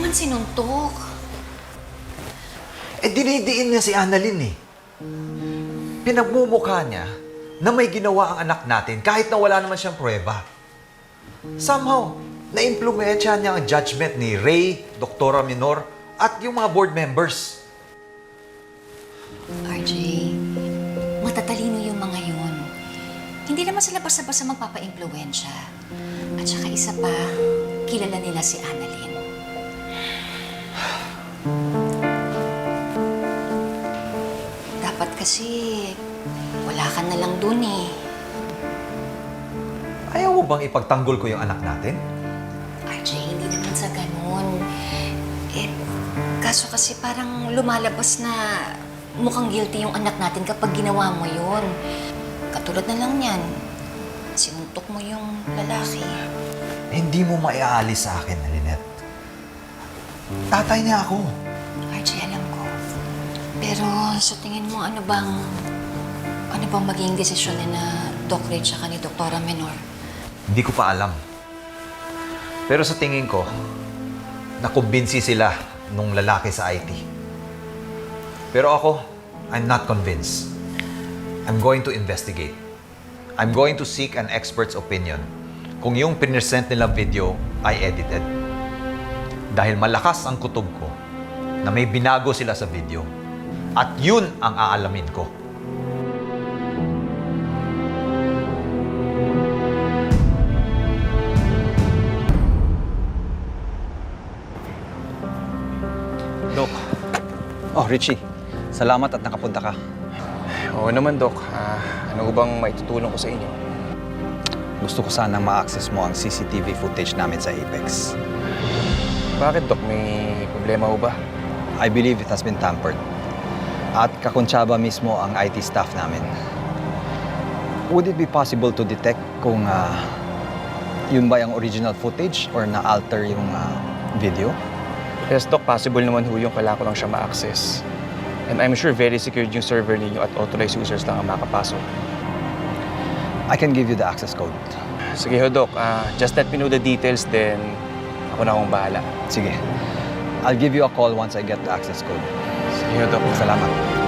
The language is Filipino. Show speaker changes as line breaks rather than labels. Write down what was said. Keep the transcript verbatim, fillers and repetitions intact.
naman sinuntok?
Eh, dinidiin niya si Annalyn eh. Pinagmumukha niya na may ginawa ang anak natin kahit na wala naman siyang pruweba. Somehow, na-impluwensya niya ang judgment ni Ray, Doktora Minor, at yung mga board members.
R J, matatalino yung mga yun. Hindi naman sila basta-basta magpapa-impluwensya. At saka isa pa, kilala nila si Annalyn. Dapat kasi, wala ka na lang dun eh.
Ayaw mo bang ipagtanggol ko yung anak natin?
R J, hindi naman sa ganun. Eh, kaso kasi parang lumalabas na mukhang guilty yung anak natin kapag ginawa mo yun. Katulad na lang yan, sinuntok mo yung lalaki.
Hindi mo maiaalis sa akin, Lynette. Tatay niya ako.
R J, alam ko. Pero sa tingin mo, ano bang, ano bang magiging desisyon ni na Doc Ray tsaka ni Doktora Menor?
Hindi ko pa alam. Pero sa tingin ko, nakumbinsi sila nung lalaki sa I T. Pero ako, I'm not convinced. I'm going to investigate. I'm going to seek an expert's opinion kung yung pinresent nilang video ay edited. Dahil malakas ang kutob ko na may binago sila sa video. At yun ang aalamin ko.
Dok. Oh, Richie. Salamat at nakapunta ka.
Oo naman, Dok. Ah, ano bang maitutulong ko sa inyo?
Gusto ko sanang ma-access mo ang C C T V footage namin sa Apex.
Bakit, Dok? May problema ho ba?
I believe it has been tampered. At kakontsaba mismo ang I T staff namin. Would it be possible to detect kung uh, yun ba yung original footage or na-alter yung uh, video?
Yes, Dok. Possible naman ho yung kailangan ko lang siya ma-access. And I'm sure very secured yung server ninyo at authorized users lang ang makapasok.
I can give you the access code.
Sige ho, Dok. Ah, just let me know the details, then ako na akong bahala.
Sige. I'll give you a call once I get the access code.
Sige ho, Dok.
Salamat.